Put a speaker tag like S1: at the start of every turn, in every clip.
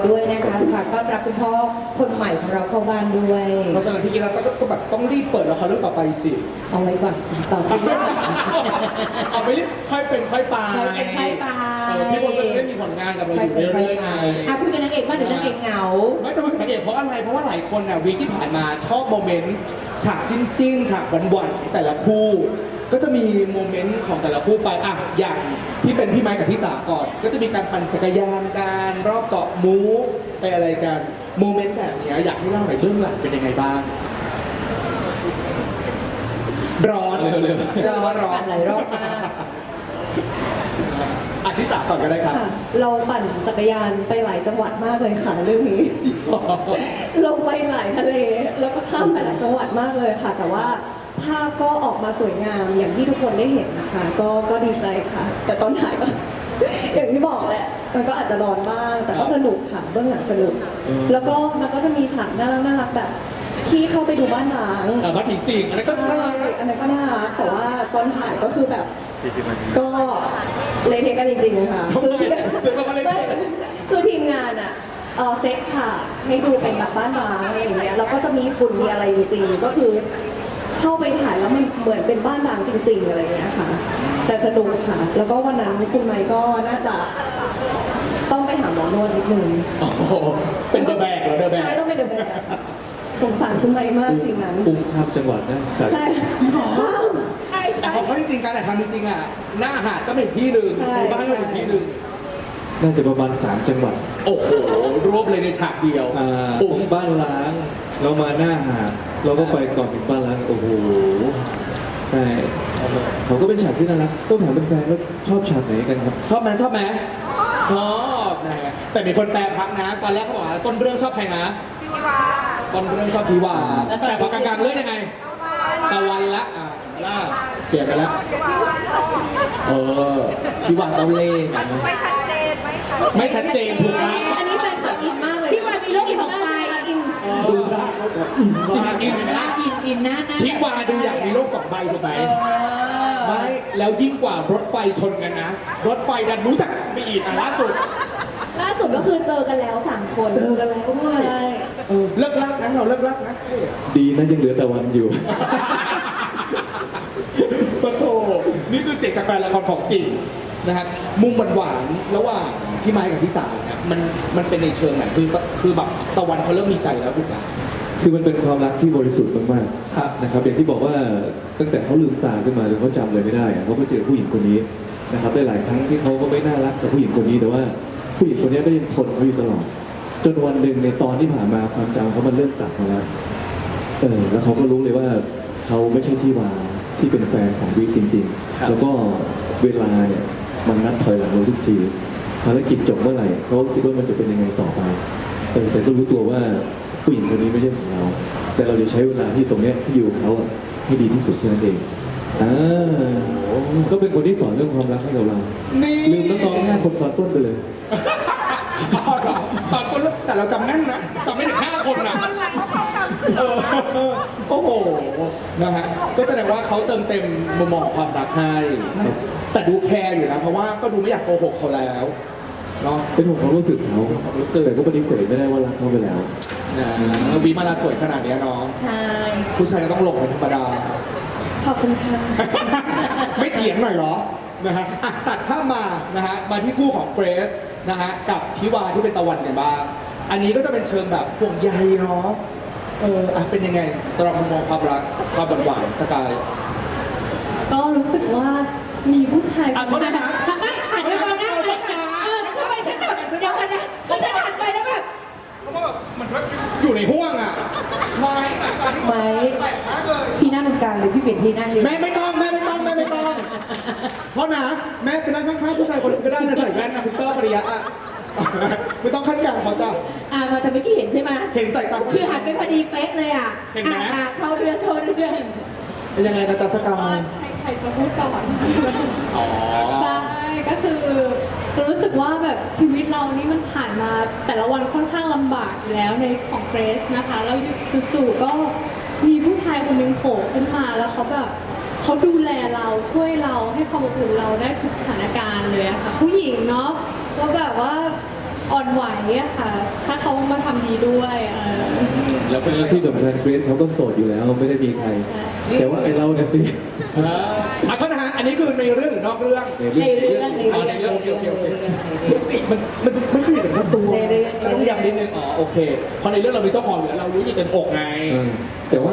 S1: ด้วยนะคะฝากต้อนรับคุณพ่อคนใหม่ของเราเข้าบ้านด้วย
S2: เพราะฉะนั้นพี่กีฬาก็แบบต้องรีบเปิดละครเรื่องต่อไปสิ
S1: เอาไว้ก่อนต่อไปเรื่อง
S2: เอาไปรีบค่อยเป็นค่อยไป
S1: ค่อยไป
S2: พี่บอลก็จะได้มีผลงานกับเราอยู่เรื่อยๆไง
S1: พูดกันนางเอกมากหรือนางเอกเหงา
S2: ไม่จะเป็นนางเอกเพราะอะไรเพราะว่าหลายคนน่ะวีคที่ผ่านมาชอบโมเมนต์ฉากจิ้นฉากหวานๆแต่ละคู่ก็จะมีโมเมนต์ของแต่ละคู่ไปอ่ะอย่างที่เป็นพี่ไม้กับที่สาก่อน ก็จะมีการปั่นจักรยานการรอบเกาะมูไปอะไรกันโมเมนต์แบบนี้อยากให้เล่าหน่อยเบื้องหลังเป็นยังไงบ้างร้อนเร็วๆ
S1: จะว่าร้อนหลายรอบมาก
S2: อธิษฐานก่อนก็ได้ครับ
S3: ค่ะเราปั่นจักรยานไปหลายจังหวัดมากเลยค่ะเรื่องนี้
S2: จริงเหรอ
S3: ลงไปหลายทะเลแล้วก็ข้ามไปหลายจังหวัดมากเลยค่ะ แต่ว่าภาพก็ออกมาสวยงามอย่างที่ทุกคนได้เห็นนะคะ ก็ดีใจค่ะ แต่ตอนถ่ายก็ อย่างที่บอกแหละมันก็อาจจะร้อนบ้าง แต่ก็สนุกค่ะเบื้องหลังสนุก แล้วก็มันก็จะมีฉากน่ารักแบบที่เข้าไปดูบ้านร้าง
S2: บ้านผีสิงอันนั้นก็น่ารัก
S3: อันนั้นก็น่ารักแต่ว่าตอนถ่ายก็คือแบบก็เละเทะกันจริงๆค่ะคือ
S2: เชื่อว่าเละเทะ
S3: คือทีมงานอะเซตฉากให้ดูเป็นแบบบ้านร้างอะไรอย่างเงี้ยแล้วก็จะมีฝุ่นมีอะไรอยู่จริงก็คือเข้าไปถ่ายแล้วมันเหมือนเป็นบ้านร้างจริง ๆอะไรอย่างเงี้ยค่ะแต่สนุกค่ะ แล้วก็วันนั้นคุณไมค์ก็น่าจะต้องไปหาหมอนวดนิดนึง
S2: โอ้โหเป็นเดอะแบกเหรอเดอะแบก
S3: ใช่ต้องเป็นเดอะแบกสงสารคุณไมค์มากสิ่งนั้น
S4: อุ้มข้ามจังหวัดนะ
S3: ใช่
S2: จริงเหรอ
S3: ใช่
S2: แต่
S3: ใช่
S2: เพราะจริงๆการถ่ายทำจริงๆอ่ะหน้าหาดก็เป็นอีกที่หนึ่ง
S3: ใช่
S2: ในบ้านก็เป็นอีกที่หนึ่ง
S4: น่าจะประมาณ3จังหวัด
S2: โอ้โหรวบเลยในฉากเดียว
S4: ตรงบ้านล้าง เรามาหน้าหาดเราก็ไปก่อนถึงบ้านล้างโอ้โหใช่เขาก็เป็นฉากที่น่ารักต้องถามเป็นแฟนว่าชอบฉากไหนกันครับ
S2: ชอบไหมชอบไหมชอบนะฮะแต่มีคนแปลพักนะ ตอนแรกเขาบอกว่าต้นเรื่องชอบใครนะต้นเรื่องชอบทีวาแต่พอกลางๆเรื่องยังไงตะวันละล่าเปลี่ยนไปแล้วทีวาเจ้าเล่ห์กันไม่ชัดเจนถูกไหม
S3: อันนี้แฟนคลับอินมากเลย
S1: พี่วายมีโลกสองใบ
S3: อิน
S4: ดูได้เขาแบบอิน
S2: จริง
S4: มาก
S2: อินนะ
S1: อินหน้า
S2: ทีวาดูอย่างมีโลกสองใบถูกไหมไม่แล้วยิ่งกว่ารถไฟชนกันนะ รถไฟดันรู้จักกันไปอีกล่าสุด
S3: ล่าสุดก็คือเจอกันแล้ว3 คน
S2: เจอกันแล้วด้วย
S3: ใช่
S2: เลิกลักนะเราเลิกลักนะ
S4: ดีนะยังเหลือแต่วันอยู่
S2: ปะโถนี่คือเสียงจากแฟนละครของจริงนะครับมุมหวานๆระหว่างพี่ไม้กับพี่สายเนี่ยมันเป็นในเชิงไหนคือแบบตะวันเขาเริ่มมีใจแล้วถูกไหม
S4: คือมันเป็นความรักที่บริสุทธิ์มาก
S2: ครับ
S4: ๆนะครับอย่างที่บอกว่าตั้งแต่เขาลืมตาขึ้นมาจนเขาจำเลยไม่ได้อะเขาก็เจอผู้หญิงคนนี้นะครับได้หลายครั้งที่เขาก็ไม่น่ารักกับผู้หญิงคนนี้แต่ว่าผู้หญิงคนนี้ก็ยังทนเขาอยู่ตลอด จนวันหนึ่งในตอนที่ผ่านมาความจำเขามันเริ่มกลับมาแล้วแล้วเขาก็รู้เลยว่าเขาไม่ใช่ที่วาที่เป็นแฟนของวิกจริง
S2: ครับ
S4: ๆ แล้วก็เวลาเนี่ยมันนัดถอยหลังเราทุกทีภารกิจจบเมื่อไหร่เขาก็คิดว่ามันจะเป็นยังไงต่อไปแต่ก็รู้ตัวว่าผู้หญิงคนนี้ไม่ใช่ของเรา แต่เราจะใช้เวลาที่ตรงเนี้ยที่อยู่กับเขาอะให้ดีที่สุดแค่นั้นเองก็เป็นคนที่สอนเรื่องความรักให้กับเรา
S2: นี่
S4: ลืมน้องๆ5 คนตอนต้นไปเลย
S2: อ๋อเหรอตอนต้นแต่เราจำแน่นนะจำไม่ถึง5 คนนะโอ้โหนะฮะก็แสดงว่าเขาเติมเต็มมุมมองของความรักให้แต่ดูแคร์อยู่นะเพราะว่าก็ดูไม่อยากโกหกเขาแล้วเนาะ
S4: เป็นห่วงความรู้สึกเขา
S2: ความรู้สึก
S4: แต่ก็ปฏิเสธไม่ได้ว่ารักเขาไปแล้ว
S2: นะวีมาลาสวยขนาดเนี้ยน้อง
S1: ใช่
S2: ผู้ชายก็ต้องหลงเป็นธรรมดา
S3: ขอบคุณค่ะ
S2: ไม่เถียงหน่อยเหรอนะฮะอ่ะตัดภาพมานะฮะมาที่คู่ของเกรซนะฮะกับทิวาที่เป็นตะวันกันบ้างอันนี้ก็จะเป็นเชิงแบบห่วงใยเนาะเป็นยังไงสำหรับมุมมองความรักความหวานๆสกาย
S5: ก็รู้สึกว่ามีผู้ชาย
S2: อ่ะโทษนะครับ
S1: ทำไมหันไปมองหน้าใครกันทำไมฉันแบบเดี๋ยวกันนะเพราะฉันหันไปแล้วแบบ
S2: เพราะว่าแบบมันอยู่ในห่วงอ่ะไม่แต่ตอนที่
S1: ไม้
S2: แปลกมากเลย
S1: พี่นั่งตรงกลางเลยพี่เปลี่ยนที่นั่งเลย
S2: แม่ไม่ต้องเพราะนะแม่ไปนั่งข้างๆผู้ชายคนอื่นก็ได้นะใส่แว่นนะคุณเตอร์ปริยะอ่ะไม่ต้องขั้นกลางเขาจะ
S1: มาแต่เมื่อกี้เห็นใช่ไหม
S2: เห็นใส่ตา
S1: คือหันไปพอดีเป๊ะเลยอ่ะ
S2: เห็นไหม
S1: เข้าเรื่อง
S2: ยังไงนะจ๊ะสกา
S5: ว่าย ใครจะพูดก่อน
S2: อ๋อ
S5: ใช่ก็คือรู้สึกว่าแบบชีวิตเรานี่มันผ่านมาแต่ละวันค่อนข้างลำบากอยู่แล้วในของเกรซนะคะแล้วจู่ๆก็มีผู้ชายคนหนึงโผล่ขึ้นมาแล้วเขาแบบเขาดูแลเราช่วยเราให้ความอบอุ่นเราได้ทุกสถานการณ์เลยอะค่ะผู้หญิงเนาะก็แบบว่าอ่อนไหวอะค่ะ ถ้าเขามาทำดีด้วย
S2: แล้วก็
S4: ที่สำคัญเกรซเขาก็โสดอยู่แล้วไม่ได้มีใคร แต่ว่าไอเราเนี่ยสิ
S2: โทษนะฮะอันนี้คือในเรื่องหรือนอกเรื่อง
S1: ในเรื่องใน
S2: อ๋อ
S1: เรื่อง
S2: ในเรื่องโอเคโอเคโอเค
S1: ในเรื่อง
S2: มันไม่เคยเห็นตัว
S1: ในเรื่อง
S2: ต้องย้ำนิดนึงอ๋อโอเคเพราะในเรื่องเรามีเจ้าของอยู่แล้วเรารู้อยู่เต็มอกไง
S4: แต่ว่า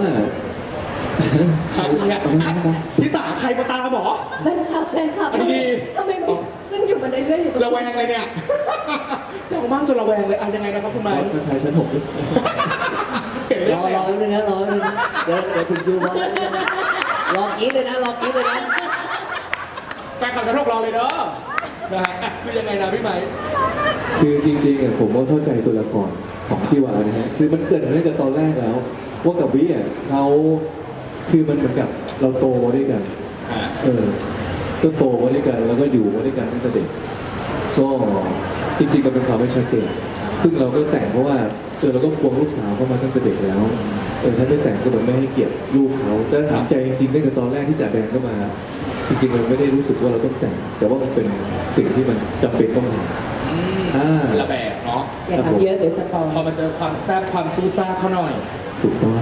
S2: ที่สาใครมาตามหรอ
S3: แฟนคลับ
S2: อันนี้ดี
S3: ทำไมมันขึ้นอยู่กันเรื่อยๆอยู่ตรง
S2: ระแวงเลยเนี่ยแซวมากจนระแวงเลยอ่ะยังไงนะครับคุณไม้
S4: บอสมันไทยชั้น6ด้วย
S2: เปลี่ยนเรื่อง
S1: รอ
S2: แล้ว
S1: นิดนึงนะรอนิดนึงเดี๋ยวถึงคิวบอลรอกินเลยนะรอกินเลยนะ
S2: แฟนคลับจะรอเลยเด้อนะฮะอ่ะคือยังไงนะพี่ไม้
S4: คือจริงๆอ่ะผมก็เข้าใจตัวละครของที่วานะฮะคือมันเกิดมาตั้งแต่ตอนแรกแล้วว่ากับวิอ่ะเขาคือมันเหมือนกับเราโตมาด้วยกันก็โตมาด้วยกันแล้วก็อยู่มาด้วยกันตั้งแต่เด็กก็จริงๆก็เป็นความไม่ชัดเจนซึ่งเราก็แต่งเพราะว่าเราก็ควงลูกสาวเข้ามาตั้งแต่เด็กแล้วฉันไม่แต่งก็เหมือนไม่ให้เกียรติลูกเขาแต่ถามใจจริงๆตั้งแต่ตอนแรกที่จ่าแดงเข้ามาจริงๆเราไม่ได้รู้สึกว่าเราต้องแต่งแต่ว่ามันเป็นสิ่งที่มันจำเป็นต้องทำ
S2: ระแบบเนาะ
S1: อย่าทำเยอะเดี๋ยวสปอย
S2: พอมาเจอความแซ่บความซูซ่าเขาหน่อย
S4: ถูกต้อง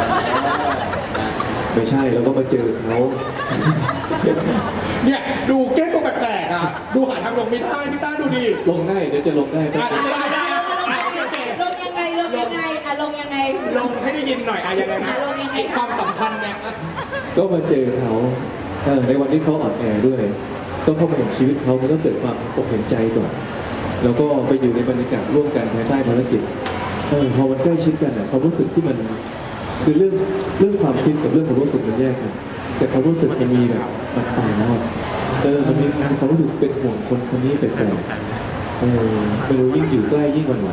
S4: ไม่ใช่เราก็มาเจอเขา
S2: เนี่ยดูแก้ตัวแปลกๆอ่ะดูหาทางลงไม่ได้พี่ต้าดูดิ
S4: ลงได้เดี๋ยวจะลงได้
S2: อ่ะได้
S1: ลงยังไงลงยังไงอ่ะลงยังไง
S2: ลงให้ได้ยินหน่อยอ่ะยังไงนะ
S1: ลงยังไง
S2: ไอ้ความสัมพันธ์เนี่ยอ่ะ
S4: ก็มาเจอเขาในวันที่เขาอ่อนแอด้วยก็เข้ามาเห็นชีวิตเขามันก็เกิดความอกเห็นใจก่อนแล้วก็ไปอยู่ในบรรยากาศร่วมกันภายใต้ภารกิจพอมันใกล้ชิดกันความรู้สึกที่มันคือเรื่องความคิดกับเรื่องความรู้สึกมันแยกกันแต่ความรู้สึกมันมีแบบมันไปแล้วมันมีความรู้สึกเป็นห่วงคนคนนี้แปลกๆไม่รู้ยิ่งอยู่ใกล้ยิ่งหวั่นไหว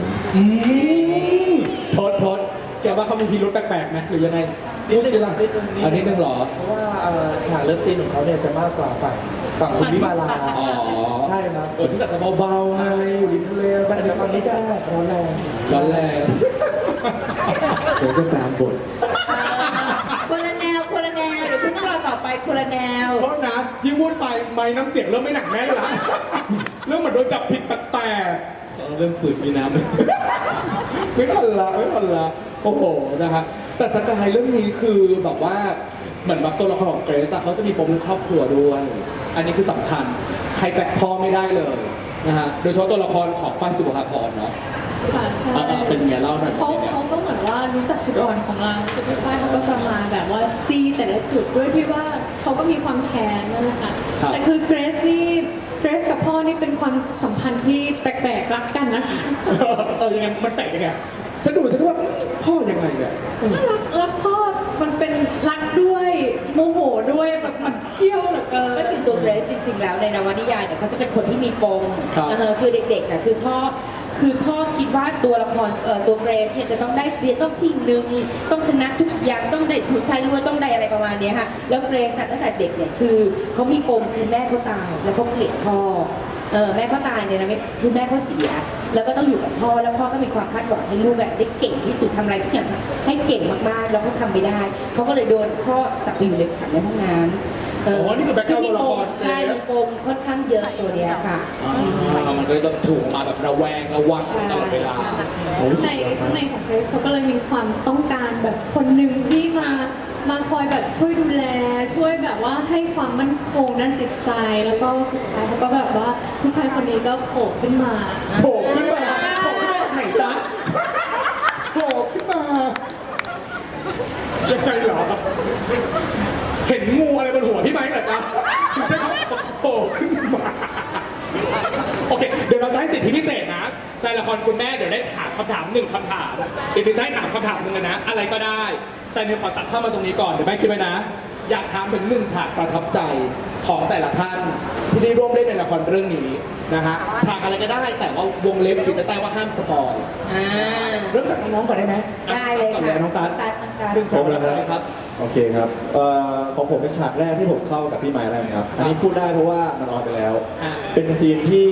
S2: โทษแกว่าเขามีพิรุธแปลกๆไหมหรือยังไงพูดสิล่ะอันนี้นึงเหรอ
S6: เพราะว่าฉากเลิฟซีนของเขาเนี่ยจะมากกว่าฝั่งคุณวิมาลา
S2: อ๋อ
S6: ใช่ครับ
S2: ที่สัตว์จะเบาๆไงอยู่ริมทะเลไป
S6: แต่ตอนนี้จะร้อนแรง
S2: ร้อนแรง
S4: เดี๋ยวก็ตามบท
S1: คนละแนวคนละแนวเดี๋ยวคุณต้องรอต่อไปคนละแนว
S2: โทษนะยิ่งพูดไปไม่น้ำเสียงเริ่มไม่หนักแน่นละเรื่องเหมือนโดนจับผิดแปลกๆ
S4: เรื่องปืนมีน้ำ
S2: ไม่ทันละโอ้โหนะครับแต่สกายเรื่องนี้คือแบบว่าเหมือนแบบตัวละครของเกรซอะเขาจะมีปมเรื่องครอบครัวด้วย อันนี้คือสำคัญใครแตะพ่อไม่ได้เลยนะฮะโดยเฉพาะตัวละครของฝ้ายสุภาพรเนาะ
S5: ค่ะใช่
S2: เป็นไงเล่าหน่อย
S5: เขาก็เหมือนว่ารู้จักจุดอ่อนของเราคือพี่ฝ้ายเขาก็จะมาแบบว่าจี้แต่ละจุดด้วยที่ว่าเขาก็มีความแค้นนั่นแหละค่ะแต่คือเกรซกับพ่อนี่เป็นความสัมพันธ์ที่แปลกๆรักกันนะคะ
S2: ยังไงมันแปลกยังไงฉันดูฉันก็ว่าพ่อยังไงเนี่ย
S5: รักพ่อมันเป็นรักด้วยโมโหด้วยแบบมันเขี้ยวเหลือเกิน
S1: ก็คือตัวเกรซจริงๆแล้วในนวนิยายเนี่ยเขาจะเป็นคนที่มีปม
S2: ครับ
S1: คือเด็กๆอ่ะคือพ่อคิดว่าตัวละครตัวเกรซเนี่ยจะต้องได้เรียนต้องที่หนึ่งต้องชนะทุกอย่างต้องได้ผู้ชายรวยต้องได้อะไรประมาณเนี้ยค่ะแล้วเกรซตั้งแต่เด็กเนี่ยคือเขามีปมคือแม่เขาตายแล้วเขาเกลียดพ่อแม่เขาตายเนี่ยนะคือแม่เขาเสีย แล้วก็ต้องอยู่กับพ่อแล้วพ่อก็มีความคาดหวังให้ลูกได้เก่งที่สุดทำอะไรทุกอย่างให้เก่งมากๆแล้วเขาทำไม่ได้เขาก็เลยโดนพ่อจับไปอยู่ในขังในห้องน้ำ
S2: นี่คือแบ็คกราวด์ตัวละคร
S1: ใช่มีปมค่อนข้างเยอะตัวเนี้ยค่ะ
S2: มันก็เลยต้องถูกมาแบบระแวงระวังตลอดเวลา
S5: ข้างในของเกรซเขาก็เลยมีความต้องการแบบคนหนึ่งที่มาคอยแบบช่วยดูแล ช่วยแบบว่าให้ความมั่นคงด้านจิตใจ แล้วก็สุดท้ายเขาก็แบบว่าผู้ชายคนนี้ก็โผล่ขึ้นมา
S2: โผล่ขึ้นมาจากไหนจ๊ะโผล่ขึ้นมายังไงเหรอเห็นงูอะไรบนหัวพี่ไม้เหรอจ๊ะถึงใช่เขาโผล่ขึ้นมาโอเคเดี๋ยวเราจะให้สิทธิพิเศษนะแฟนละครคุณแม่เดี๋ยวได้ถามคำถามหนึ่งคำถามเดี๋ยวจะให้ถามคำถามหนึ่งเลยนะอะไรก็ได้แต่เดี๋ยวขอตัดภาพมาตรงนี้ก่อนเดี๋ยวแม่คิดไว้นะอยากถามถึงหนึ่งฉากประทับใจของแต่ละท่านที่ได้ร่วมเล่นในละครเรื่องนี้นะฮะฉากอะไรก็ได้แต่ว่าวงเล็บขีดเส้นใต้ว่าห้ามสปอย เริ่มจากน้องๆก่อนได้ไหม
S1: ได้เลย
S2: ก่อน
S1: ค่ะ
S2: น้องตั๊ด
S1: น้องตั๊ด
S2: หนึ่งฉากประทับใจครับ
S6: โอเคครับของผมเป็นฉากแรกที่ผมเข้ากับพี่ไม้แล้วนะครับอันนี้พูดได้เพราะว่ามันออนไปแล้ว
S2: อ่ะ
S6: เป็นซีนที่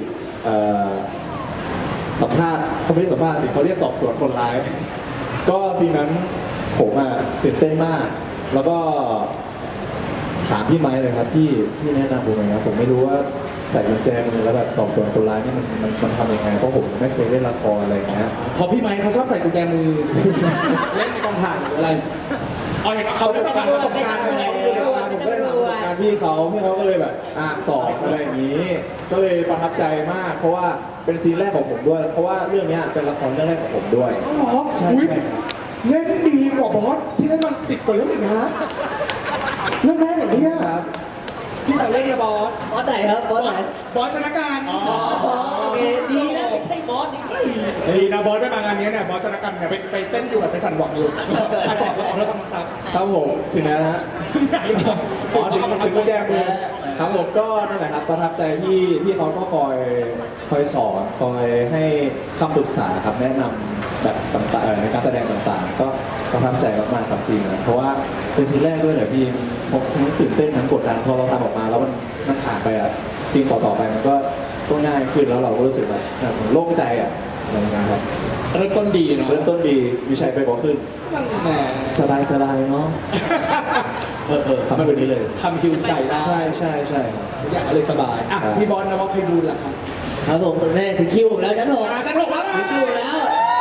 S6: สัมภาษณ์เขาไม่ได้สัมภาษณ์สิเขาเรียกสอบสวนคนร้าย ก็ซีนนั้นผมตื่นเต้นมาก แล้วก็ถามพี่ไม้เลยครับพี่แนะนำผมหน่อยครับผมไม่รู้ว่าใส่กุญแจมือแล้วแบบสอบสวนคนร้ายนี่มันทำยังไงเพราะผมไม่เคยเล่นละครอะไรอย่างเงี้ย
S2: พอพี่ไม้เขาชอบใส่กุญแจมือ เล่นในกองถ่ายหรืออะไรเอาเห็นว่าเขาได้ประสบการณ์มาแล้ว
S6: ผมก็เลยถามประสบการณ์พี่เขาก็เลยแบบสอนอะไรอย่างนี้ ก็เลยประทับใจมาก เพราะว่าเป็นซีนแรกของผมด้วย เพราะว่าเรื่องเนี้ยเป็นละครเรื่องแรกของผมด้วย
S2: หรอ
S6: ใช่
S2: อุ๊ย
S6: ใช่ครับ
S2: เล่นดีกว่าบอสที่เล่นมา10 กว่าเรื่องอีกนะเรื่องแรกอย่างเนี้ย
S6: ครับ
S2: พี่สั่งเล่นกับบอส
S7: บอสไหนครับบอสไหน
S2: บอสชนะการ
S7: อ๋อโอเคดีนะไม่ใช่บอสนี่
S2: ดีนะบอสได้มางานนี้เนี่ยบอสชนะการเนี่ยไปเต้นอยู่กับใจสั่นหวังอยู่ถ่ายต่อแล้วขอเรื่องคำตัก
S6: ครับผมถึงแล้วนะฮะ
S2: ถึงไหนแล้ว
S6: อ๋อถึงกุญแจมือครับผมก็นั่นแหละครับประทับใจที่เขาก็คอยสอนคอยให้คำปรึกษาครับแนะนำแบบต่างๆในการแสดงต่างๆ ก็ประทับใจมากๆครับซีนนั้นเพราะว่าเป็นซีนแรกด้วยแหละพี่ผมตื่นเต้นทั้งกดดันพอเราทำออกมาแล้วมันผ่านไปอ่ะซีนต่อๆไปมันก็ง่ายขึ้นแล้วเราก็รู้สึกแบบโล่งใจอ่ะอะไรอย่างเงี้ยครับ
S2: เริ่มต้นดีเนาะ
S6: เริ่มต้นดีมีชัยไปกว่าขึ้น
S2: นั่นแหละ
S6: สบายๆเนาะทำให้วันนี้เลย
S2: ทำฮิวใจได้
S6: ใช่ครับ
S2: ทุกอย่างก็เลยสบายอ่ะ
S6: ครับ
S2: พี่บอสนะว่าไพบูลย์ล่ะครับ
S7: ครับผมแม่ถึงคิวผมแล้วชั้นหก
S2: ชั้นหกแล้ว
S7: ถึงคิวแล้ว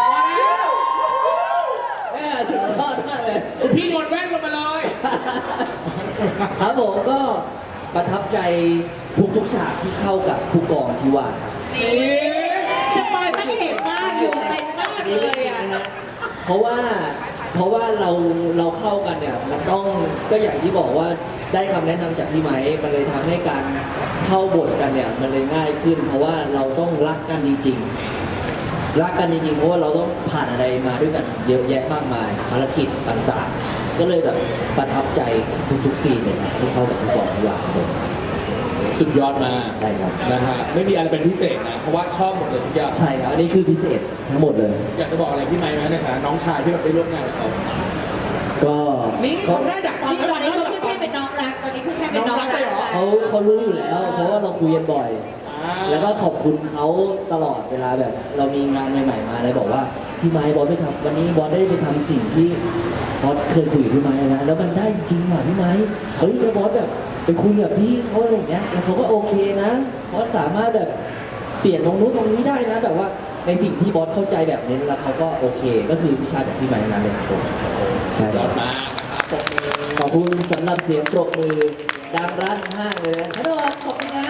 S7: แม่สุดยอดมากเลย
S2: คุณพี่โยนแว่นลงมาเลย
S7: ครับผมก็ประทับใจทุกฉากที่เข้ากับผู้กองที่ว่าครับ
S1: สปอยไม่เห็นมากอยู่เป็นมากเลยอ่ะ
S7: นะฮะเพราะว่าเราเข้ากันเนี่ยมันต้องก็อย่างที่บอกว่าได้คำแนะนำจากพี่ไม้มันเลยทำให้การเข้าบทกันเนี่ยมันเลยง่ายขึ้น เพราะว่าเราต้องรักกันจริงๆรักกันจริงๆเพราะว่าเราต้องผ่านอะไรมาด้วยกันเยอะแยะมากมายภารกิจต่างๆ ก็เลยแบบประทับใจทุกๆซีนเลยครับที่เข้ากับผู้กองที่ว่าครับผม
S2: สุดยอดมาก
S7: ใช่ครับ
S2: นะฮะไม่มีอะไรเป็นพิเศษนะเพราะว่าชอบหมดเลยทุกอย่าง
S7: ใช่ครับอันนี้คือพิเศษทั้งหมดเลย
S2: อยากจะบอกอะไรพี่ไม้ไหมในฐานะน้องชายที่แบบได้ร่วมงานกับเขา
S7: ก็
S2: นี่คนน่าอยากฟัง
S1: ตอนนี้เขาขึ้นแค่เป็นน้องรัก ตอนนี้ขึ้นแค่เป็นน้องรัก
S7: เขารู้อยู่แล้ว เพราะว่าเราคุยกันบ่อย แล้วก็ขอบคุณเขาตลอดเวลาแบบ เรามีงานใหม่ๆมาเลยบอกว่าพี่ไม้บอสไปทำวันนี้บอสได้ไปทำสิ่งที่บอสเคยคุยกับพี่ไม้นะแล้วมันได้จริงว่ะพี่ไม้เฮ้ยแล้วบอสแบบไปคุยกับพี่เขาอะไรอย่างเงี้ยแล้วเขาก็โอเคนะบอสสามารถแบบเปลี่ยนตรงนู้นตรงนี้ได้นะแบบว่าในสิ่งที่บอสเข้าใจแบบนี้แล้วเขาก็โอเค ก็คือวิชาจากพี่ไม้นั่นเลยครับผมใช่
S2: ย
S7: ค
S2: อ
S7: รับ
S2: ดมากนะครับปรบมือ
S7: ขอบคุณสำหรับเสียงปรบมือดังรั่นห้างเลยนะขนมขอบคุณนะ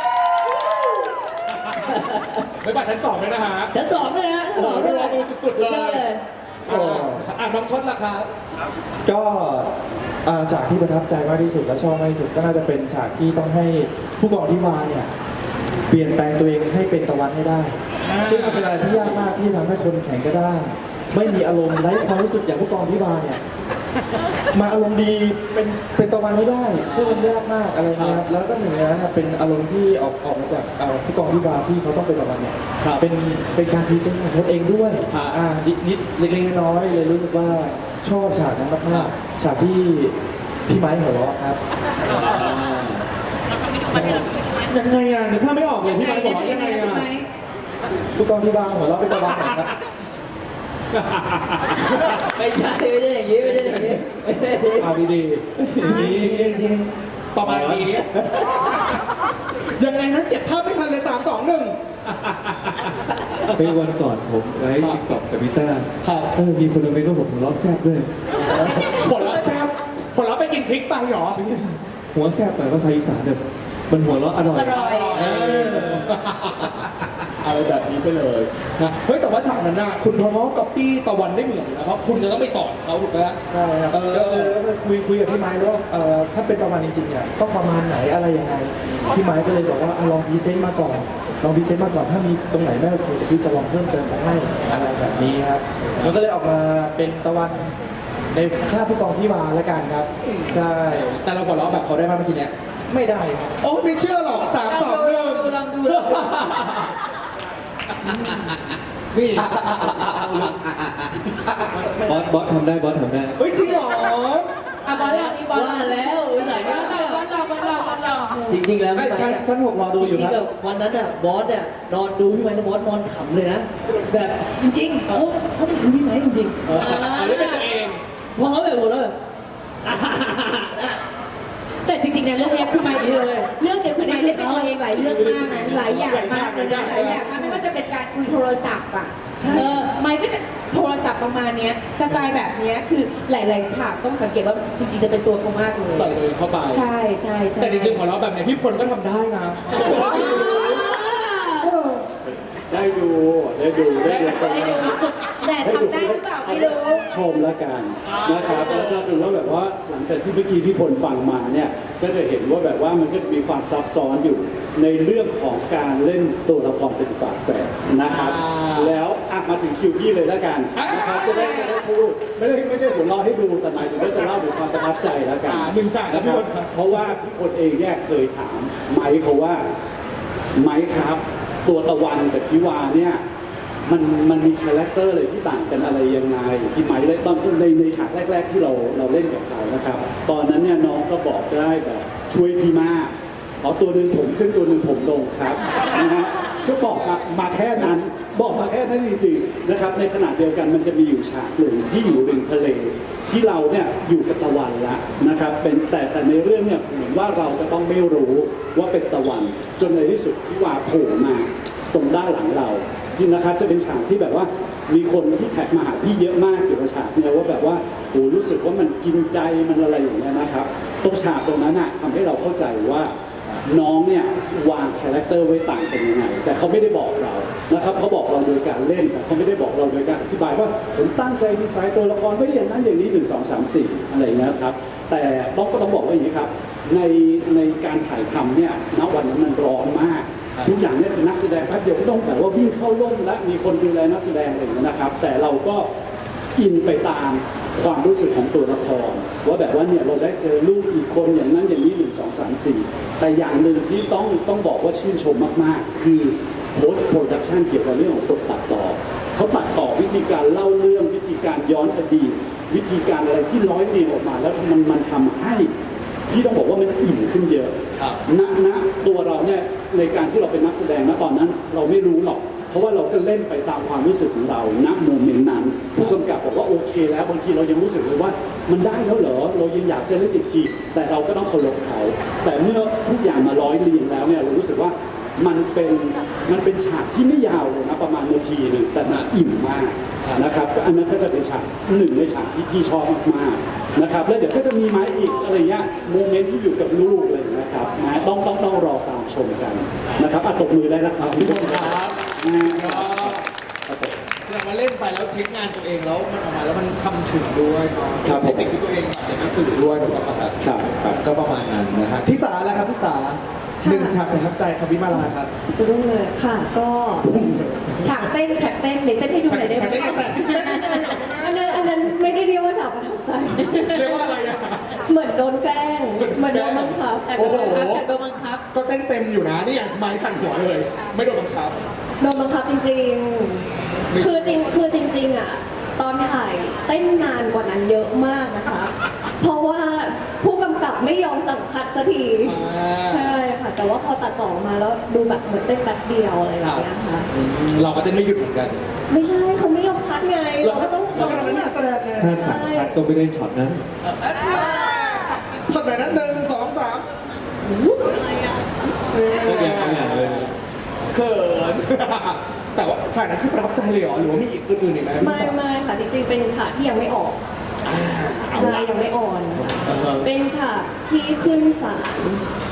S2: ไปบัตรชั้น 2เลยนะฮะ
S7: ชั้นสองเลยฮะชั้นสองเลย
S2: โอ้โหสุดๆเลย
S7: อเลย โอ้
S2: น้องทศล่ะครับ
S8: ก็ฉากที่ประทับใจมากที่สุดและชอบมากที่สุดก็น่าจะเป็นฉากที่ต้องให้ผู้กองที่มาเนี่ยเปลี่ยนแปลงตัวเองให้เป็นตะวันให้ได้ ซึ่งมันเป็นอะไรที่ยากมากที่จะทำให้คนแข็งกระด้างไม่มีอารมณ์ไร้ความรู้สึกอย่างผู้กองที่มาเนี่ยมาอารมณ์ดีเป็นตะวันให้ได้ ซึ่งมันยากมากอะไรเงี้ยแล้วก็หนึ่งในนั้นนะเป็นอารมณ์ที่ออกมาจากผู้กองที่มาที่เขาต้องเป็นตะวันเนี่ย
S2: ครับ
S8: เป็นการพรีเซนต์ของตนเองด้วย
S2: ครับ
S8: นิดเล็กๆน้อยๆเลยรู้สึกว่าชอบฉากนั้นมากๆฉากที่พี่ไม้หัวเราะครับ
S2: ยังไงอ่ะนึกภาพไม่ออกเลยพี่ไม้บอกว่ายังไงอ่ะ
S8: ผู้กองที่บางหัวเราะเป็นตะวันหน่อยครับ
S7: ไม่ใช่ไม่ใช่อย่างนี้ไม่ใช่อย่างนี้
S2: เอาดี
S7: ดีดี
S2: ๆประมาณนี้ ยังไงนะเก็บภาพไม่ทันเลย3 2 1
S4: ไปวันก่อนผมไลฟ์ติ๊กต็อกกับพิต้า
S2: ครับ
S4: มีคนมาเมนว่าผมหัวเราะแซ่บด้วย
S2: ผลลัพธ์แซ่บผลลัพธ์ไปกินพริกไปเหรอ
S4: หัวแซ่บหมายว่าภาษาอีสานแบบมันหัวเราะอร่อย
S1: อร่อย
S2: อะไรแบบนี้ไปเลยนะเฮ้ยแต่ว่าฉากนั้นน่ะคุณทอทอกับปี้ตะวันได้เหมือนนะเพราะคุณจะต้องไปสอนเขาถูกไหม
S8: ใช่ครับ
S2: เออ
S8: ก็คือคุยกับพี่ไม้แล้วว่าถ้าเป็นตะวันจริงๆเนี่ยต้องประมาณไหนอะไรยังไงพี่ไม้ก็เลยบอกว่าลองพรีเซนต์มาก่อนลองพรีเซนต์มาก่อนถ้ามีตรงไหนไม่โอเคเดี๋ยวพี่จะลองเพิ่มเติมไปให้อะไรแบบนี้ครับมันก็เลยออกมาเป็นตะวันในค่าผู้กองที่วาละกันครับใช่
S2: แต่เราหัวเราะแบบเขาได้ไหมเมื่อกี้เนี้ย
S8: ไม่ได้ครับ
S2: โอ้ไม่เชื่อหรอก3 2 1
S1: ลองดู
S2: นี่
S4: บอสทำได้บอสทำได้
S2: เฮ้ยจริงเหรอ
S1: อ่ะบอลลองนี่บอลล
S7: ว่า
S1: อง
S7: แล้วใส่
S1: บอลลองบอลลองบอลลองบอลลอง
S7: จริงๆแล้ว
S8: ไม่
S7: พี่ไม้
S8: ชั้นหกรอดูอยู่
S7: จริง
S8: ค
S7: ๆ
S8: รับ
S7: แบบวันนั้นอ่ะบอสเนี่ยนอนดูพี่ไม้แล้วบอสนอนขำเลยนะแบบจริงๆเขามันคือพี่ไม้จริง
S2: เอาเล่นเป็นตัวเอง
S7: ๆพอเขาแบบหัวเราะแบบ
S1: แต่จริงๆนะเรื่องเนี้ยคุณไมค์เรื่องเดียวคุณไมค์เล่นเป็นตัวเองหลายเรื่องมากนะหลายอย่างมากเลยนะหลายอย่างมากไม่ว่าจะเป็นการคุยโทรศัพท์อ่ะไมค์ก็จะโทรศัพท์ประมาณเนี้ยสไตล์แบบเนี้ยคือหลายๆฉากต้องสังเกตว่าจริงๆจะเป็นตัวเขามากเลย
S2: ใส่ตัวเองเข้าไป
S1: ใช่ใช่ใช่
S2: แต่จริงๆของเราแบบเนี้ยพี่พลก็ทำได้นะ
S9: ได้ดูได้ดูได้ดู
S1: ได้ดูแต่ทำได้หรือเปล่าไม่รู้
S9: ชมแล้วกันนะครับแล้วก็คือว่าแบบว่าหลังจากที่เมื่อกี้พี่พลฟังมาเนี่ยก็จะเห็นว่าแบบว่ามันก็จะมีความซับซ้อนอยู่ในเรื่องของการเล่นตัวละครเป็นฝาแฝดนะครับ แล้วมาถึงคิวพี่เลยแล้วกันนะครับจะได้พูดไม่ได้หัวเราะให้ดูแต่หมายถึงว่าจะเล่าถึงความประทับใจแล้วกัน
S2: หนึ่งฉากนะพี่พลครับ
S9: เพราะว่าพี่พลเองเนี่ยเคยถามไมค์เขาว่าไมค์ครับ ตัวตะวันกับพิวาเนี่ยมันมีคาแรคเตอร์อะไรที่ต่างกันอะไรยังไงที่ไมค์เล่นตอนในฉากแรกๆที่เราเล่นกับเขานะครับ ตอนนั้นเนี่ยน้องก็บอกได้แบบช่วยพี่มากตัวหนึ่งผมขึ้นตัวหนึ่งผมลงครับนะฮะคือบอกมาแค่นั้นบอกมาแค่นั้นจริงๆนะครับในขณะเดียวกันมันจะมีอยู่ฉากหนึ่งที่อยู่ริมทะเลที่เราเนี่ยอยู่กับตะวันละนะครับเป็นแต่ในเรื่องเนี่ยเหมือนว่าเราจะต้องไม่รู้ว่าเป็นตะวันจนในที่สุดที่ว่าโผล่มาตรงด้านหลังเราจริงนะครับจะเป็นฉากที่แบบว่ามีคนที่แท็กมาหาพี่เยอะมากเกี่ยวกับฉากเนี่ยว่าแบบว่าโอ้รู้สึกว่ามันกินใจมันอะไรอย่างเงี้ยนะครับตรงฉากตรงนั้นทำให้เราเข้าใจว่าน้องเนี่ยวางคาแรคเตอร์ไว้ต่างกันยังไงแต่เขาไม่ได้บอกเรานะครับเขาบอกเราโดยการเล่นแต่เขาไม่ได้บอกเราโดยการอธิบายว่าผมตั้งใจดีไซน์ตัวละครไว้อย่างนั้นอย่างนี้1 2 3 4อะไรอย่างเงี้ยครับแต่ก็ต้องบอกว่าอย่างนี้ครับในการถ่ายทำเนี่ยณวันนั้นมันร้อนมากทุกอย่างเนี่ยคือนักแสดงแป๊บเดียวก็ต้องแบบว่าวิ่งเข้าร่มและมีคนดูแลนักแสดงอะไรอย่างเงี้ยนะครับแต่เราก็อินไปตามความรู้สึกของตัวละครว่าแบบว่าเนี่ยเราได้เจอลูกอีกคนอย่างนั้นอย่างนี้1 2 3 4แต่อย่างหนึ่งที่ต้องบอกว่าชื่นชมมากๆคือ post production เกี่ยวกับเรื่องของตัวตัดต่อเขาตัดต่อวิธีการเล่าเรื่องวิธีการย้อนอดีตวิธีการอะไรที่ร้อยเรียงออกมาแล้วมันทำให้พี่ต้องบอกว่ามันอิ่มขึ้นเยอะณตัวเราเนี่ยในการที่เราเป็นนักแสดงณตอนนั้นเราไม่รู้หรอกเพราะว่าเราก็เล่นไปตามความรู้สึกของเราณโมเมนต์นั้นผู้กำกับบอกว่าโอเคแล้วบางทีเรายังรู้สึกเลยว่ามันได้แล้วเหรอเรายังอยากจะเล่นอีกทีแต่เราก็ต้องเคารพเขาแต่เมื่อทุกอย่างมาร้อยเรียงแล้วเนี่ยเรารู้สึกว่ามันเป็นฉากที่ไม่ยาวเลยนะประมาณนาทีหนึ่งแต่มันอิ่มมากนะครับอันนั้นก็จะเป็นฉากหนึ่งในฉากที่พี่ชอบมากๆนะครับแล้วเดี๋ยวก็จะมีมาอีกอะไรเงี้ยโมเมนต์ที่อยู่กับลูกเลยนะครับนะต้องรอตามชมกันนะครับตบมือได้นะครับ
S2: พี่พลครับแสดงว่าเล่นไปแล้วเช็คงานตัวเองแล้วมันออกมาแล้วมันทำถึงด้วยเนาะ
S9: ครับ
S2: ในสิ่งที่ตัวเองอยากจะสื่อด้วยถูกต้องไหมครับ
S9: ครับ
S2: ก็ประมาณนั้นนะฮะทิสาแล้วครับทิสาหนึ่งฉากประทับใจครับวิมาลาครับ
S3: สะดุ้งเลยค่ะก็
S1: ฉากเต้นเดี๋ยวเต้นให้ดูหน่อยได้ไหม
S2: ฉากเต้นยังไง
S3: อันนั้นไม่ได้เรียกว่าฉากประทับใจ
S2: เรียกว่าอะไรอะ
S3: เหมือนโดนแกล้งเหมือนโดนบังคับ
S1: ฉากโดนบังคับฉากโดนบังคับ
S2: ก็เต้นเต็มอยู่นะนี่อย่างไม้สั่นหัวเลย ไม่โดนบังคับ
S3: โดนบังคับจริง
S2: ไม่
S3: ๆ คือจริงๆอ่ะตอนถ่ายเต้นนานกว่านั้นเยอะมากนะคะ เพราะว่าผู้กำกับไม่ยอมสั่งคัดสักทีใช่ค่ะ แต่ว่าพอตัดต่อมาแล้วดูแบบเหมือนเต้นแป๊บเดียวอะไรแบบเนี้ยค่ะ
S2: เราก็เต้นไม่หยุดเหมือนกัน
S3: ไม่ใช่เขาไม่ยอมคัดไงเราก็ต้อง
S2: เราก็เป็นนักแสดงไง
S4: ถ้าสั่งคัดก็ไม่ได้ช็อตนั้น
S2: ช็อตไหนนั้น1 2 3
S4: ก็อย่างเลย
S2: เขิน แต่ว่าฉากนั้นคือประทับใจเลยเหรอหรือว่ามีอีกอื่นๆอีกไหมพี่สาว
S3: ไม่ค่ะจริงๆเป็นฉากที่ยังไม่ออก
S2: เอา
S3: ใช่
S2: ละ
S3: ยังไม่ออนค่ะ
S2: อ่าฮะ
S3: เป็นฉากที่ขึ้นศาล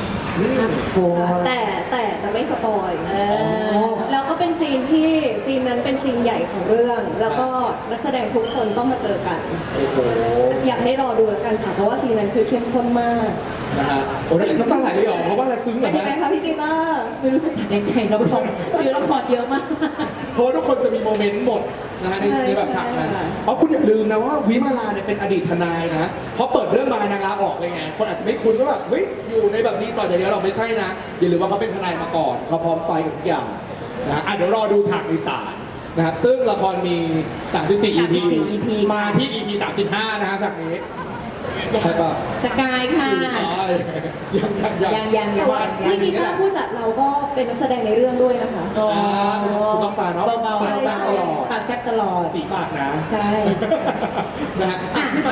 S3: แต่จะไม่สปอยแล้วก็เป็นซีนนั้นเป็นซีนใหญ่ของเรื่อง แล้วก็นักแสดงทุกคนต้องมาเจอกัน
S2: โอ้โห
S3: อยากให้รอดูแล้วกันค่ะ เพราะว่าซีนนั้นคือเข้มข้นมาก
S2: นะฮะโอ้ยน้ำตาไหลเลยเหรอเพราะว่าเราซึ้งเหร
S3: เป็
S2: อน
S3: ยังไง
S2: ฮะ
S3: คะพี่กีตาร์
S1: ไม่รู้จะตัดยังไงละครคือละครเยอะมาก
S2: เพราะว่าทุกคนจะมีโมเมนต์หมดนะฮะในแบบฉากนั้นเพราะคุณอย่าลืมนะว่าวิมาลาเนี่ยเป็นอดีตทนายนะเพราะเปิดเรื่องมานางลาออกเลยไงคนอาจจะไม่คุ้นก็แบบเฮ้ยอยู่ในแบบรีสอร์ทอย่างเดียวเราไม่ใช่นะอย่าลืมว่าเขาเป็นทนายมาก่อนเขาพร้อมไฟกับทุกอย่างนะฮะเดี๋ยวรอดูฉากในศาลนะครับซึ่งละครมี 34 EP
S1: 34 EP
S2: มาที่ EP 35 นะฮะฉากนี้ ใช่ป่ะ
S1: สกายค่ะ
S2: อ๋อยัง
S1: ยัง
S3: แต่ว่าพี่กีตาร์ผู้จัดเราก็เป็นนักแสดงในเรื่องด้วยนะคะ
S2: คุณต้องตาเนาะ
S1: เบา
S2: ปากแซ่บตลอด
S1: ปากแซ่บตลอด
S2: สีปากนะ
S1: ใช่
S2: นะฮะอ่ะพี่ไมค์ครับ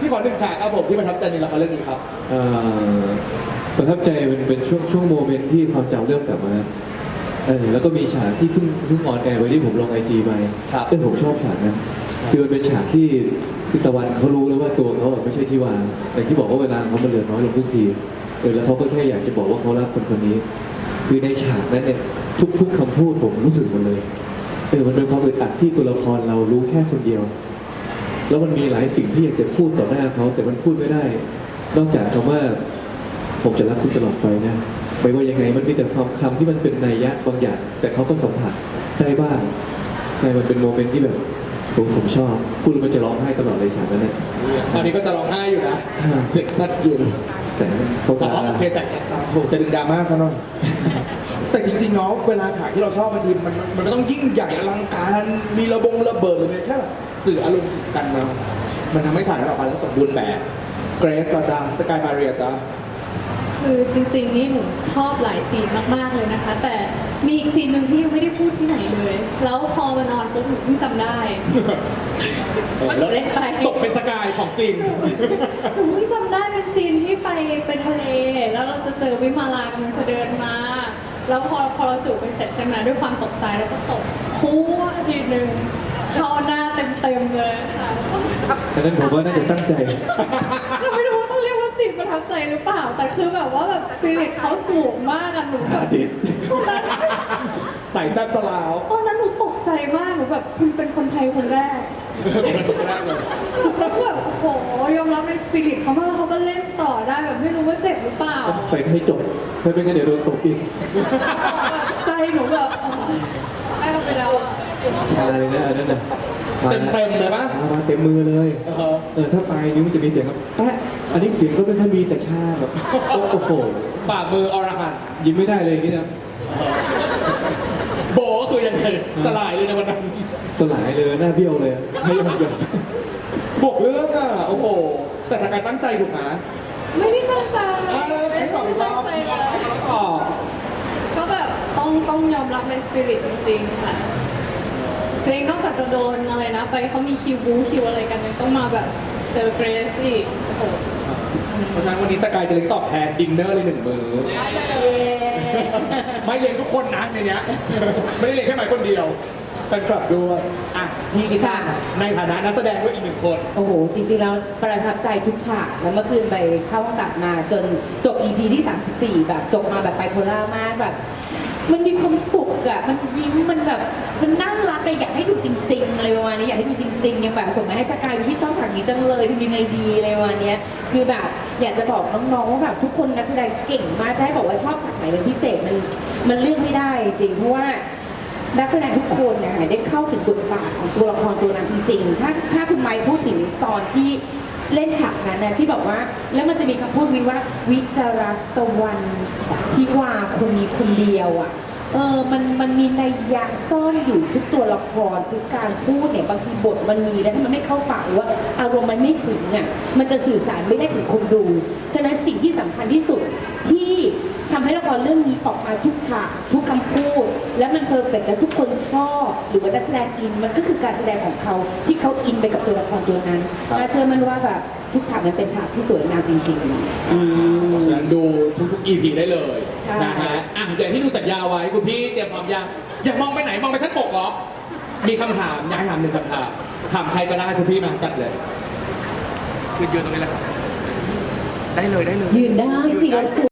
S2: พี่ขอหนึ่งฉากครับผมที่ประทับใจในละครเรื่องนี้ครับ
S4: เอ่อประทับใจเป็นช่วงโมเมนต์ที่ความจำเริ่มกลับมาแล้วก็มีฉากที่เพิ่งออนแอร์ไปที่ผมลงไอจีไป
S2: ครับ
S4: ผมชอบฉากนั้นคือมันเป็นฉากที่คือตะวันเขารู้แล้วว่าตัวเขาไม่ใช่ที่วางแต่ที่บอกว่าเวลาเขามันเหลือน้อยลงทุกทีแล้วเขาก็แค่อยากจะบอกว่าเขารักคนคนนี้ คือในฉากนั้นเนี่ยทุกคำพูดผมรู้สึกหมดเลยมันเป็นความอึดอัดที่ตัวละครเรารู้แค่คนเดียว แล้วมันมีหลายสิ่งที่อยากจะพูดต่อหน้าเขาแต่มันพูดไม่ได้ นอกจากคำว่าผมจะรักคุณตลอดไปนะไม่ว่ายังไงมันมีแต่ความคำที่มันเป็นนัยยะบางอย่างแต่เขาก็สัมผัสได้บ้างใช่มันเป็นโมเมนต์ที่แบบผมชอบพูดแล้วมันจะร้องไห้ตลอดเลยฉากนั้นเนี่ย
S2: ตอนนี้ก็จะร้องไห้อยู่นะเสียงสัดอยู่
S4: แสงเขา
S2: อ๋
S4: ตา
S2: อโอเคแสงตาถูกจะดึงดราม่าซะหน่อย แต่จริงๆเนาะเวลาฉากที่เราชอบบางทีมันก็ต้องยิ่งใหญ่อลังการมีระเบิดหรือแค่แบบสื่ออารมณ์ถึงกันมามันทำให้ฉากนั้นออกมาแล้วสมบูรณ์แบบเกรซจ้าสกายมาเรียจ้า
S5: คือจริงๆนี่หนูชอบหลายซีนมากๆเลยนะคะ แต่มีอีกซีนหนึ่งที่ยังไม่ได้พูดที่ไหนเลย แล้วพอมันออนปุ๊บหนูเพิ่งจำได้
S2: แล้วศพเป็นสกายของจริง
S5: หนูเพิ่งจำได้เป็นซีนที่ไปทะเล แล้วเราจะเจอวิมาลากำลังจะเดินมา แล้วพอเราจูบกันเสร็จใช่ไหมด้วยความตกใจแล้วก็ตบพัวทีหนึ่งเข้าหน้าเต็มๆเลยค่ะ
S4: อันนั้นผมว่าน่าจะตั้งใจ
S5: เราไม่รู้ว่าต้องเรียกว่าสิ่งประทับใจหรือเปล่า แต่คือแบบว่าแบบสปิริตเขาสูงมากอะหนูแบบ
S4: เด็ด
S5: ตอนนั้น
S2: ใส่แซ่บสลาว
S5: ตอนนั้นหนูตกใจมากหนูแบบคุณเป็นคนไทยคนแรก
S2: แรกเลย
S5: แล้วก็แบบโอ้โหยอมรับในสปิริตเขามากแล้วเขาก็เล่นต่อได้แบบไม่รู้ว่าเจ็บหรือเปล่า
S4: ไปให้จบถ้าไม่งั้นเดี๋ยวโดนตบอีก
S5: แบบใจหนูแบบได้ไปแล้วอะ
S4: ชาเลยนะอันนั้นน่ะ
S2: เต็มเลยปะ
S4: มาเต็มมือเลย ถ้าปลายนิ้วมันจะมีเสียงแบบแปะอันนี้เสียงก็ไม่ค่อยมีแต่ชาแบบโอ้โห
S2: ฝ่ามืออรหันต์
S4: ยิ้มไม่ได้เลยอย่างนี้นะ
S2: โบก็คือยังไงสลายเลยในวันนั้น
S4: สลายเลยหน้าเบี้ยวเลยให้ยอม
S2: บวกเรื่องอ่ะ โอ้โห แต่สกายตั้งใจถูกไหม
S5: ไม่ได้ตั้งใจ
S2: ไม่ตอบอีกรอบ
S5: ไม่ได้ตั้งใจเลย
S2: อ๋อ
S5: ก็แบบต้องยอมรับในสปิริตจริงๆค่ะเพลงนอกจากจะโดนอะไรนะ ไปเขามีคิวบูคิวอะไรกันยังต้องมาแบบเจอเกรซอีกโอ้โห
S2: เพราะฉะนั้นวันนี้สกายจะเลี้ยงตอบแทนดินเนอร์เลย1 มื้อ ไม่เลี้ยงทุกคนนะในเนี้ย ไม่ได้เลี้ยงแค่หมายคนเดียวแฟนคลับด้วยอ่ะพี่กีตาร์ในฐานะนักแสดงด้วยอีก1 คน
S1: โอ้โห จริงๆแล้วประทับใจทุกฉากแล้วเมื่อคืนไปเข้าห้องตัดมาจนจบ EP ที่ 34 แบบจบมาแบบไบโพล่ามากแบบ มันมีความสุขอะมันยิ้มมันแบบมันน่ารักอะอยากให้ดูจริงๆอะไรประมาณนี้อยากให้ดูจริงๆยังแบบส่งมาให้สกายดูพี่ชอบฉากนี้จังเลยทำยังไงดีอะไรประมาณเนี้ยคือแบบอยากจะบอกน้องๆว่าแบบทุกคนนักแสดงเก่งมากจะให้บอกว่าชอบฉากไหนเป็นพิเศษมันเลือกไม่ได้จริงเพราะว่า นักแสดงทุกคนเนี่ยได้เข้าถึงบทบาทของตัวละครตัวนั้นจริงๆ ถ้าคุณไมค์พูดถึงตอนที่เล่นฉากนั้นนะที่บอกว่าแล้วมันจะมีคำพูดวิว่าวิจารัตวันที่ว่าคนนี้คนเดียวอ่ะมันมีนัยยะซ่อนอยู่ทุกตัวละครคือการพูดเนี่ยบางทีบทมันมีแล้วถ้ามันไม่เข้าปากหรือว่าอารมณ์มันไม่ถึงอ่ะมันจะสื่อสารไม่ได้ถึงคนดูฉะนั้นสิ่งที่สำคัญที่สุดที่ทำให้ละครเรื่องนี้ออกมาทุกฉากทุกคำพูด และมันเพอร์เฟกต์และทุกคนชอบหรือว่านักแสดงอินมันก็คือการแสดงของเขาที่เขาอินไปกับตัวละครตัวนั้นน่าเชื่อมันว่าแบบทุกฉากมันเป็นฉากที่สวยงามจริงๆ
S2: เพราะฉะนั้นดูทุกๆ EP ได้เลย
S1: ใช่
S2: นะฮะอ่ะอย่างที่ดูสัญญาไว้คุณพี่เตรียมพร้อมยังอยากมองไปไหนมองไปชั้น6เหรอมีคำถามอยากให้ถาม1 คำถามถามใครก็ได้คุณพี่มาจัดเลยยืนตรงนี้แหละครับได้เลย
S1: ยืนได้สิเราสวย